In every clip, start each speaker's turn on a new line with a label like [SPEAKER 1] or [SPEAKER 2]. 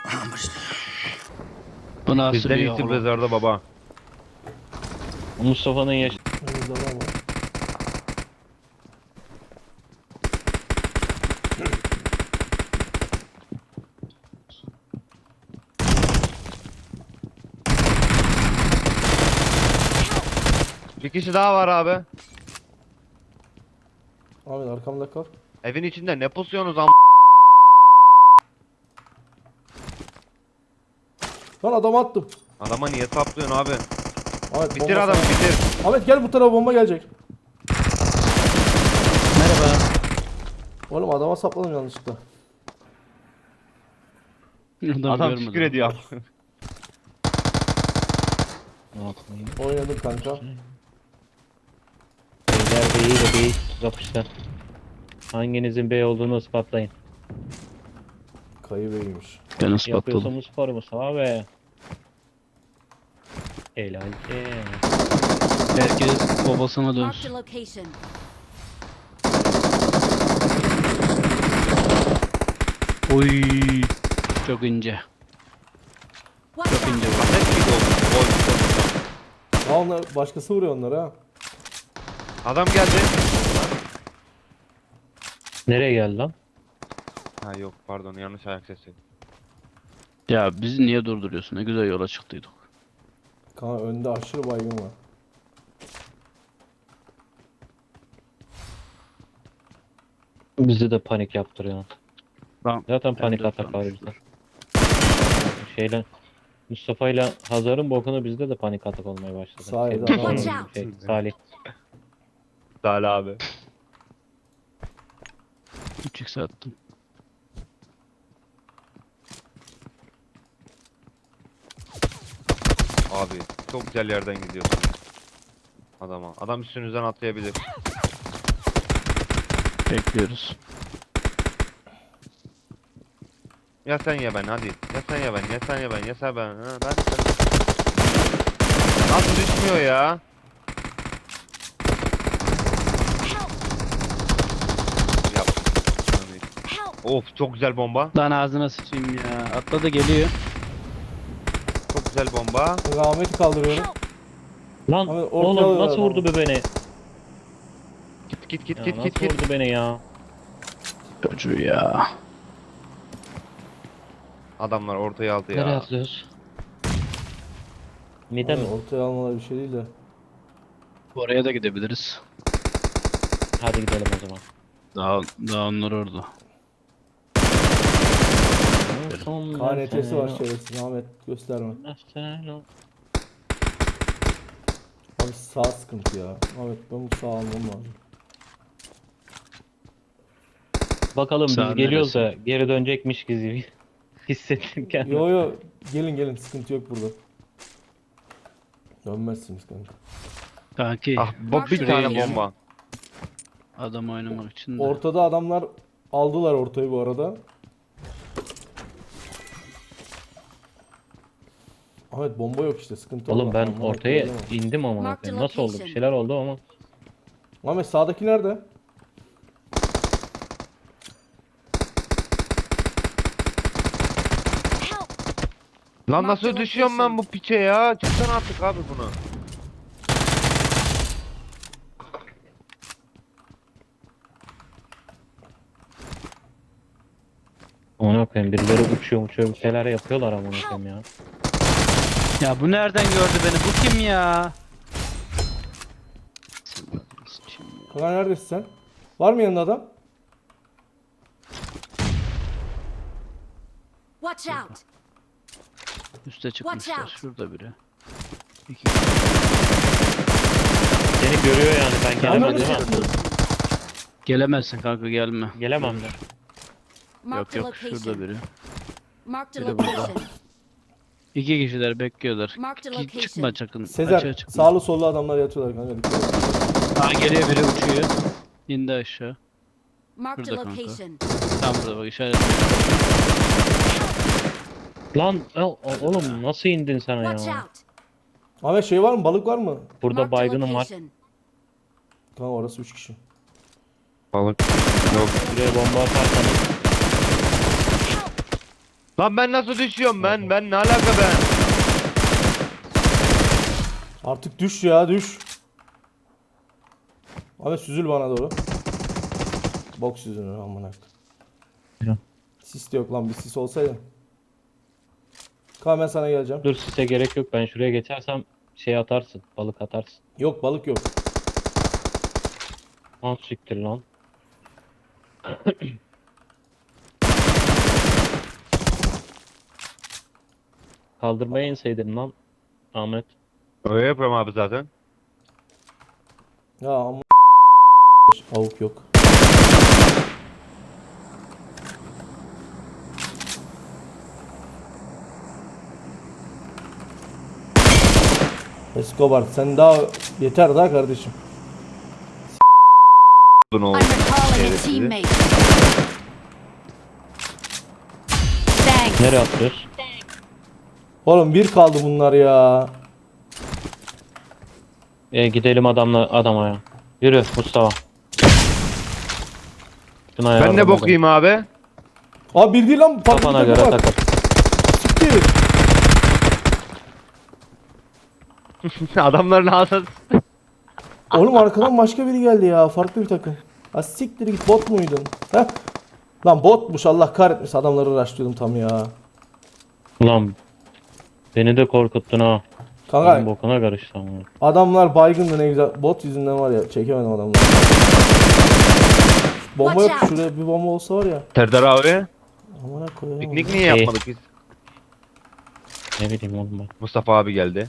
[SPEAKER 1] Bu nasıl
[SPEAKER 2] Bizden
[SPEAKER 1] bir
[SPEAKER 2] iyisi
[SPEAKER 1] oğlum?
[SPEAKER 2] mezarda baba.
[SPEAKER 3] Mustafa'nın yaş...
[SPEAKER 4] Önümüzde var mı?
[SPEAKER 2] Bir kişi daha var abi.
[SPEAKER 4] Ahmet arkamda kal.
[SPEAKER 2] Evin içinde ne pusuyorsunuz
[SPEAKER 4] Lan adamı attım.
[SPEAKER 2] Adama niye saplıyorsun abi?
[SPEAKER 4] Ahmet
[SPEAKER 2] Bitir
[SPEAKER 4] bomba
[SPEAKER 2] adamı
[SPEAKER 4] sana-
[SPEAKER 2] bitir.
[SPEAKER 4] Ahmet gel bu tarafa bomba gelecek.
[SPEAKER 1] Merhaba.
[SPEAKER 4] Oğlum adama sapladım yanlışlıkla.
[SPEAKER 2] Adam şükür ediyor.
[SPEAKER 3] Ne yapayım?
[SPEAKER 4] Oynadım kanka.
[SPEAKER 3] Beyler B'yi de B'yi kapışlar. Hanginizin B olduğunu ispatlayın.
[SPEAKER 4] Kayı beymiş.
[SPEAKER 1] Ben ispatladım.
[SPEAKER 3] Yapıyorsanız sporumu abi. Helal ki.
[SPEAKER 1] Herkes babasına
[SPEAKER 5] Marked
[SPEAKER 1] dönsün.
[SPEAKER 5] a location.
[SPEAKER 1] Oy. Çok ince.
[SPEAKER 5] Watch
[SPEAKER 1] Çok ince
[SPEAKER 5] out!
[SPEAKER 1] bu.
[SPEAKER 2] Ahmet miydi o?
[SPEAKER 4] Ha onlar başkası vuruyor onları ha.
[SPEAKER 2] Adam geldi.
[SPEAKER 3] Nereye geldi lan?
[SPEAKER 2] Ha yok pardon yanlış ayak sesi.
[SPEAKER 1] Ya bizi niye durduruyorsun? Ne güzel yola çıktıydık.
[SPEAKER 4] Kanka önde aşırı baygın var.
[SPEAKER 3] Bizi de panik yaptırıyor.
[SPEAKER 1] Tamam.
[SPEAKER 3] Zaten panik
[SPEAKER 1] M4
[SPEAKER 3] atak var
[SPEAKER 1] varmış.
[SPEAKER 3] bizde. Şeyle Mustafa ile Hazar'ın bokunu bizde de panik atak olmaya başladı.
[SPEAKER 4] Sahilde
[SPEAKER 3] Şey,
[SPEAKER 4] adam
[SPEAKER 5] var.
[SPEAKER 3] Salih.
[SPEAKER 2] Salih abi.
[SPEAKER 1] 3x attım.
[SPEAKER 2] Abi çok güzel yerden gidiyorsun. Adama. Adam üstünüzden atlayabilir.
[SPEAKER 1] Bekliyoruz.
[SPEAKER 2] Ya sen ya ben hadi. Ya sen ya ben. Ya sen ya ben. Ya sen ben. Ha, ben. Nasıl düşmüyor ya?
[SPEAKER 5] Help!
[SPEAKER 2] Yap.
[SPEAKER 5] Help!
[SPEAKER 2] Of çok güzel bomba.
[SPEAKER 1] Lan ağzına sıçayım ya. Atladı geliyor.
[SPEAKER 2] Çok güzel bomba.
[SPEAKER 4] Kanka Ahmet'i kaldırıyorum.
[SPEAKER 5] Help!
[SPEAKER 3] Lan
[SPEAKER 4] Abi, ortaya
[SPEAKER 3] oğlum
[SPEAKER 4] alıyorlar
[SPEAKER 3] nasıl vurdu
[SPEAKER 4] adamı.
[SPEAKER 3] be beni?
[SPEAKER 2] Git git git
[SPEAKER 3] Ya
[SPEAKER 2] git
[SPEAKER 3] nasıl
[SPEAKER 2] git git.
[SPEAKER 3] vurdu beni ya?
[SPEAKER 1] Çocuğu ya.
[SPEAKER 2] Adamlar ortaya aldı
[SPEAKER 3] Nereye
[SPEAKER 2] ya.
[SPEAKER 3] atlıyoruz? Mide mi?
[SPEAKER 4] Ortaya almaları bir şey değil de.
[SPEAKER 1] Oraya da gidebiliriz.
[SPEAKER 3] Hadi gidelim o zaman.
[SPEAKER 1] Daha onlar orada.
[SPEAKER 4] KNT'si var şerefsiz Ahmet gösterme. Abi sağ sıkıntı ya. Ahmet ben bu sağ almam lazım.
[SPEAKER 3] Bakalım biz
[SPEAKER 1] Sağ
[SPEAKER 3] geliyoruz
[SPEAKER 1] neresi?
[SPEAKER 3] da geri dönecekmiş gibi hissettim kendimi.
[SPEAKER 4] Yo yo gelin gelin sıkıntı yok burada. Dönmezsiniz kanka.
[SPEAKER 1] Kanki
[SPEAKER 2] Ah bu bir
[SPEAKER 1] Şuraya
[SPEAKER 2] tane
[SPEAKER 1] gel.
[SPEAKER 2] bomba.
[SPEAKER 1] adam oynamak için de.
[SPEAKER 4] Ortada adamlar aldılar ortayı bu arada. Ahmet bomba yok işte sıkıntı
[SPEAKER 3] Oğlum
[SPEAKER 4] orada.
[SPEAKER 3] ben
[SPEAKER 4] Ahmet
[SPEAKER 3] ortaya
[SPEAKER 4] öyle mi?
[SPEAKER 3] indim ama
[SPEAKER 5] Mark the
[SPEAKER 3] nasıl oldu? Bir
[SPEAKER 5] location.
[SPEAKER 3] şeyler oldu ama.
[SPEAKER 4] Ahmet sağdaki nerede?
[SPEAKER 5] Help!
[SPEAKER 2] Lan
[SPEAKER 5] Mark
[SPEAKER 2] nasıl
[SPEAKER 5] the
[SPEAKER 2] düşüyorum ben
[SPEAKER 5] location.
[SPEAKER 2] bu piçe ya? Çıksana artık abi bunu.
[SPEAKER 3] Ona koyayım birileri uçuyor bir şeyler yapıyorlar ama ona koyayım ya.
[SPEAKER 1] Ya bu nereden gördü beni? Bu kim ya? Sıçayım ya.
[SPEAKER 4] Kanka neredesin sen? Var mı yanında adam?
[SPEAKER 5] Watch out!
[SPEAKER 1] Üste çıkmışlar.
[SPEAKER 5] out.
[SPEAKER 1] Şurada biri. İki.
[SPEAKER 3] Seni görüyor yani ben gelemem
[SPEAKER 4] Anladın
[SPEAKER 3] değil mi?
[SPEAKER 1] Gelemezsin kanka gelme.
[SPEAKER 3] Gelemem de.
[SPEAKER 5] Marked
[SPEAKER 1] Yok
[SPEAKER 5] a
[SPEAKER 1] yok şurada
[SPEAKER 5] location.
[SPEAKER 1] biri.
[SPEAKER 5] Marked a
[SPEAKER 1] Biri burada.
[SPEAKER 5] location.
[SPEAKER 1] İki kişiler bekliyorlar.
[SPEAKER 5] Marked a
[SPEAKER 1] Ki-
[SPEAKER 5] location.
[SPEAKER 1] Çıkma çakın.
[SPEAKER 4] Sezer
[SPEAKER 1] Açığa çıkma.
[SPEAKER 4] sağlı sollu adamlar yatıyorlar kanka. Dikkat et.
[SPEAKER 1] Aa, geliyor biri uçuyor. İndi aşağı.
[SPEAKER 5] Marked a
[SPEAKER 1] Şurada kanka.
[SPEAKER 5] location.
[SPEAKER 1] Tam burada bak işaret.
[SPEAKER 3] Lan oğlum nasıl indin sen
[SPEAKER 5] Watch
[SPEAKER 3] ya?
[SPEAKER 5] out!
[SPEAKER 4] Ahmet şey var mı? Balık var mı?
[SPEAKER 3] Burada
[SPEAKER 5] Marked a
[SPEAKER 3] baygınım var.
[SPEAKER 5] location.
[SPEAKER 4] Tamam orası 3 kişi.
[SPEAKER 2] Balık. Yok.
[SPEAKER 3] Buraya bomba atarsanız
[SPEAKER 2] Lan ben nasıl düşüyorum ben? Ben ne alaka ben?
[SPEAKER 4] Artık düş ya düş. Ahmet süzül bana doğru. Bok süzülür amına.
[SPEAKER 3] Ya.
[SPEAKER 4] Sis de yok lan, bir sis olsaydı. Kaan ben sana geleceğim.
[SPEAKER 3] Dur size gerek yok. Ben şuraya geçersem şey atarsın. Balık atarsın.
[SPEAKER 4] Yok balık yok.
[SPEAKER 3] Al siktir lan. Kaldırmaya inseydin lan Ahmet.
[SPEAKER 2] Öyle yapıyorum abi zaten.
[SPEAKER 4] Ya ama avuk yok. Escobar sen daha yeter daha kardeşim.
[SPEAKER 2] Bunu
[SPEAKER 5] I'm recalling a
[SPEAKER 2] Şerefsiz.
[SPEAKER 5] teammate. Thanks.
[SPEAKER 3] Nereye atıyoruz?
[SPEAKER 4] Oğlum bir kaldı bunlar ya.
[SPEAKER 3] Gidelim adama ya. Yürü Mustafa. Şuna
[SPEAKER 2] Ben
[SPEAKER 3] yardım
[SPEAKER 2] ne bok
[SPEAKER 3] edelim.
[SPEAKER 2] yiyeyim abi?
[SPEAKER 4] Abi bir değil lan, farklı
[SPEAKER 3] Kafana
[SPEAKER 4] bir
[SPEAKER 3] göre
[SPEAKER 4] takım var.
[SPEAKER 3] takıl.
[SPEAKER 4] Siktir.
[SPEAKER 2] Adamların ağzı.
[SPEAKER 4] Oğlum arkadan başka biri geldi ya, farklı bir takım. Ha siktir git, bot muydun? Heh. Lan botmuş, Allah kahretmesin, adamları uğraştırıyordum tam ya.
[SPEAKER 3] Ulan beni de korkuttun ha. Benim
[SPEAKER 4] Kanka
[SPEAKER 3] bokuna karıştı ama.
[SPEAKER 4] adamlar baygındı, ne güzel. Bot yüzünden var ya, çekemedim adamları. Bomba yok,
[SPEAKER 5] Watch out.
[SPEAKER 4] şuraya bir bomba olsa var ya.
[SPEAKER 2] Serdar abi.
[SPEAKER 4] Amına koyayım.
[SPEAKER 2] Piknik niye yapmadık biz?
[SPEAKER 3] Ne bileyim oğlum ben.
[SPEAKER 2] Mustafa abi geldi.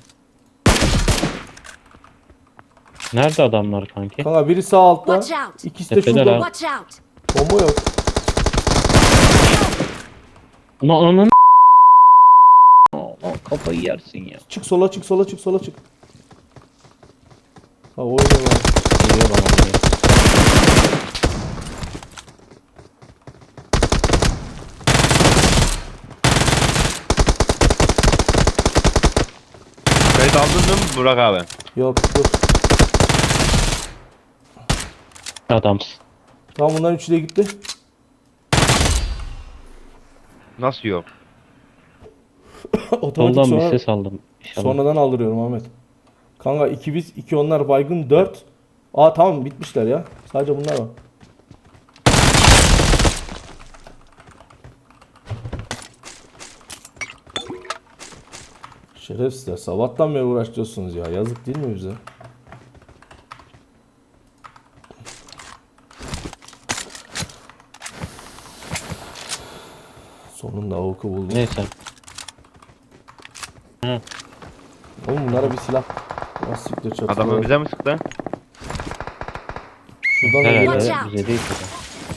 [SPEAKER 3] Nerede adamlar kanki?
[SPEAKER 4] Kanka biri sağ altta,
[SPEAKER 5] Watch out.
[SPEAKER 4] ikisi de
[SPEAKER 3] Tepeler
[SPEAKER 4] şurada.
[SPEAKER 3] ha.
[SPEAKER 5] Watch out.
[SPEAKER 4] Bomba yok.
[SPEAKER 3] Ulan onun kafayı yersin ya.
[SPEAKER 4] Çık sola çık, sola çık, sola çık. Ha oynuyor lan.
[SPEAKER 3] Geliyor bana buraya.
[SPEAKER 2] Kayıt aldın mı Burak abi?
[SPEAKER 4] Yok dur.
[SPEAKER 3] Adamsın.
[SPEAKER 4] Tamam bunların üçü de gitti.
[SPEAKER 2] Nasıl yok?
[SPEAKER 4] Otomatik
[SPEAKER 3] Soldan bir
[SPEAKER 4] sonra,
[SPEAKER 3] ses aldım. İnşallah.
[SPEAKER 4] sonradan aldırıyorum Ahmet. Kanka 2 biz, 2 onlar, baygın 4. Aa tamam bitmişler ya. Sadece bunlar var. Şerefsizler, sabahtan beri uğraşıyorsunuz ya. Yazık değil mi bize? Sonunda avuku buldum.
[SPEAKER 3] Neyse.
[SPEAKER 4] Oğlum bunlara bir silah. Nasıl siktir çatı.
[SPEAKER 2] Adamı bize mi sıktı?
[SPEAKER 4] Şuradan da
[SPEAKER 3] Herhalde
[SPEAKER 4] geliyor.
[SPEAKER 5] out.
[SPEAKER 3] bize değil ki.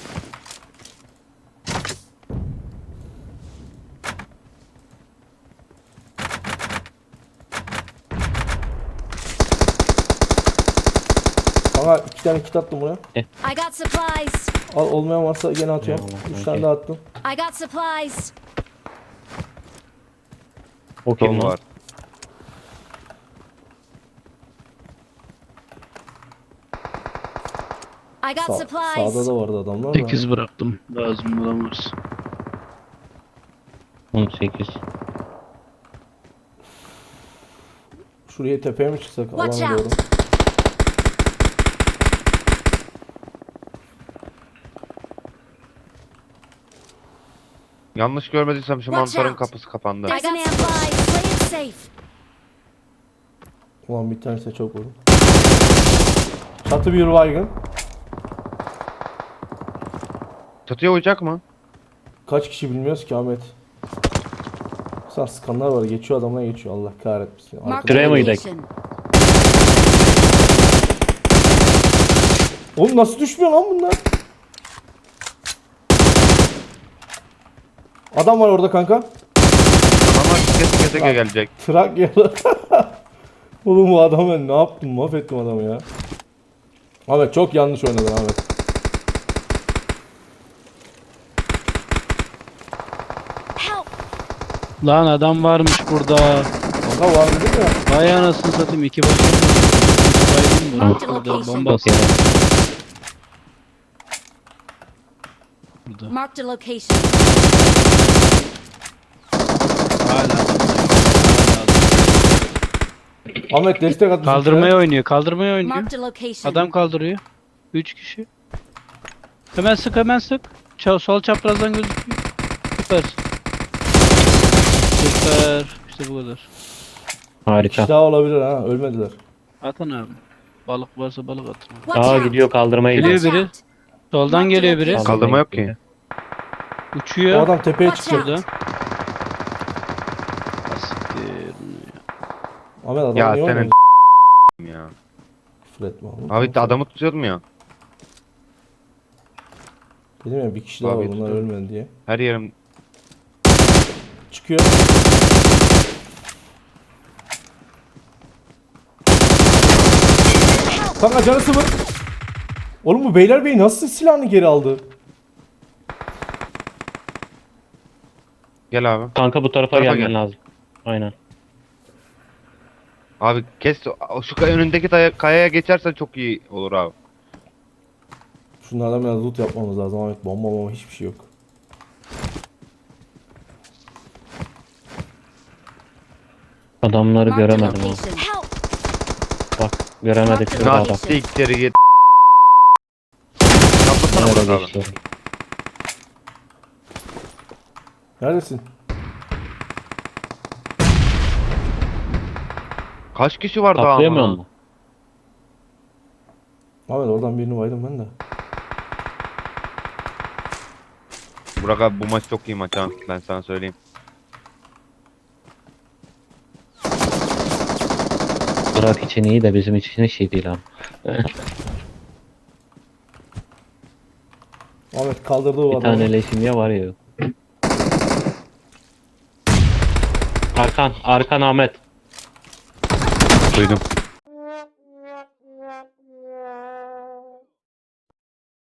[SPEAKER 4] Kanka 2 tane kit attım buraya.
[SPEAKER 5] I got supplies.
[SPEAKER 4] Al, olmayan varsa gene atıyorum.
[SPEAKER 3] Eyvallah,
[SPEAKER 4] 3 tane
[SPEAKER 3] okey.
[SPEAKER 4] daha attım.
[SPEAKER 5] I got supplies.
[SPEAKER 3] O kim
[SPEAKER 2] Tom
[SPEAKER 3] lan?
[SPEAKER 2] var.
[SPEAKER 5] I got
[SPEAKER 4] Sağda
[SPEAKER 5] supplies.
[SPEAKER 4] da vardı adamlar da.
[SPEAKER 1] 8 bıraktım. Lazım bulamaz.
[SPEAKER 3] 18.
[SPEAKER 4] Şuraya tepeye mi çıksak?
[SPEAKER 5] Watch
[SPEAKER 4] Alana doğru.
[SPEAKER 5] out.
[SPEAKER 2] Yanlış görmediysem şu
[SPEAKER 5] Watch
[SPEAKER 2] mantarın
[SPEAKER 5] out.
[SPEAKER 2] kapısı kapandı.
[SPEAKER 5] I got supplies. Play it safe.
[SPEAKER 4] Ulan bir tanesi çok vurdum. Çatı bir baygın.
[SPEAKER 2] Çatıya uyacak mı?
[SPEAKER 4] Kaç kişi bilmiyoruz ki Ahmet. Sen skanlar var, geçiyor, adamlar geçiyor, Allah kahretmesin.
[SPEAKER 5] Mark
[SPEAKER 4] Arkada-
[SPEAKER 5] the
[SPEAKER 3] Şuraya mı gidelim?
[SPEAKER 5] location.
[SPEAKER 4] Oğlum nasıl düşmüyor lan bunlar? Adam var orada kanka.
[SPEAKER 2] Adamlar tike tike gelecek.
[SPEAKER 4] Trakyalı. Oğlum bu adam, ben ne yaptım, mahvettim adamı ya. Ahmet çok yanlış oynadın Ahmet.
[SPEAKER 5] Help.
[SPEAKER 1] Lan adam varmış burada.
[SPEAKER 4] Kanka var dedim ya.
[SPEAKER 1] Vay anasını satayım, 2 başım. Baygın
[SPEAKER 5] Marked
[SPEAKER 1] bu. Burada
[SPEAKER 5] location.
[SPEAKER 1] bomba
[SPEAKER 3] Okey.
[SPEAKER 1] burada.
[SPEAKER 5] Marked a location.
[SPEAKER 4] Ahmet destek at.
[SPEAKER 1] Kaldırmaya oynuyor. Kaldırmaya oynuyor.
[SPEAKER 5] Marked a location.
[SPEAKER 1] Adam kaldırıyor. 3 kişi. Hemen sık hemen sık. Sol çaprazdan gözüküyor. Süpersin. Süper. İşte bu kadar.
[SPEAKER 3] Harika.
[SPEAKER 4] Daha olabilir ha. Ölmediler.
[SPEAKER 1] Atın abi. Balık varsa balık atın.
[SPEAKER 5] Watch
[SPEAKER 3] Aa
[SPEAKER 5] out.
[SPEAKER 3] gidiyor kaldırmaya
[SPEAKER 1] Geliyor
[SPEAKER 3] gidiyor.
[SPEAKER 5] Watch
[SPEAKER 1] biri.
[SPEAKER 5] out.
[SPEAKER 1] Soldan geliyor biri.
[SPEAKER 2] Kaldırma yok ki.
[SPEAKER 4] O
[SPEAKER 1] Uçuyor.
[SPEAKER 4] adam tepeye
[SPEAKER 5] Watch
[SPEAKER 4] çıktı.
[SPEAKER 5] out.
[SPEAKER 1] Burada. Siktir.
[SPEAKER 4] Ahmet adam
[SPEAKER 2] Ya
[SPEAKER 4] niye
[SPEAKER 2] senin
[SPEAKER 4] oynadı?
[SPEAKER 2] ya.
[SPEAKER 4] Küfür etme oğlum.
[SPEAKER 2] Abi adamı tutuyordum ya.
[SPEAKER 4] Dedim ya bir kişi daha
[SPEAKER 2] Abi
[SPEAKER 4] var bunlar
[SPEAKER 2] tutuyorum.
[SPEAKER 4] ölmedi diye.
[SPEAKER 2] Her yerim
[SPEAKER 4] Çıkıyor. Kanka canı sıfır. Oğlum bu Beylerbeyi nasıl silahını geri aldı?
[SPEAKER 2] gel abi.
[SPEAKER 3] Kanka bu tarafa
[SPEAKER 2] Tarafa
[SPEAKER 3] gelmen
[SPEAKER 2] gel.
[SPEAKER 3] lazım. Aynen.
[SPEAKER 2] Abi kes şu önündeki kayaya geçersen çok iyi olur abi.
[SPEAKER 4] Şunlardan biraz loot yapmamız lazım Ahmet. Bomba hiçbir şey yok.
[SPEAKER 3] Adamları
[SPEAKER 5] Marked a
[SPEAKER 3] göremedim ama.
[SPEAKER 5] location. Help.
[SPEAKER 3] Bak göremedik şurada
[SPEAKER 2] Ya
[SPEAKER 3] adam.
[SPEAKER 2] siktir git. Kapatana
[SPEAKER 3] Nerede
[SPEAKER 2] bırak abi.
[SPEAKER 3] geçti?
[SPEAKER 4] Neredesin?
[SPEAKER 2] Kaç kişi var daha
[SPEAKER 3] Atlayamıyor
[SPEAKER 2] ama?
[SPEAKER 3] mu?
[SPEAKER 4] Ahmet oradan birini baydım ben de.
[SPEAKER 2] Burak abi bu maç çok iyi maç ha. Ben sana söyleyeyim.
[SPEAKER 3] Burak için iyi de bizim için hiç iyi değil abi.
[SPEAKER 4] Ahmet kaldırdı o
[SPEAKER 3] Bir
[SPEAKER 4] adamı.
[SPEAKER 3] tane leşim ya var ya yok. Arkan Ahmet.
[SPEAKER 2] Duydum.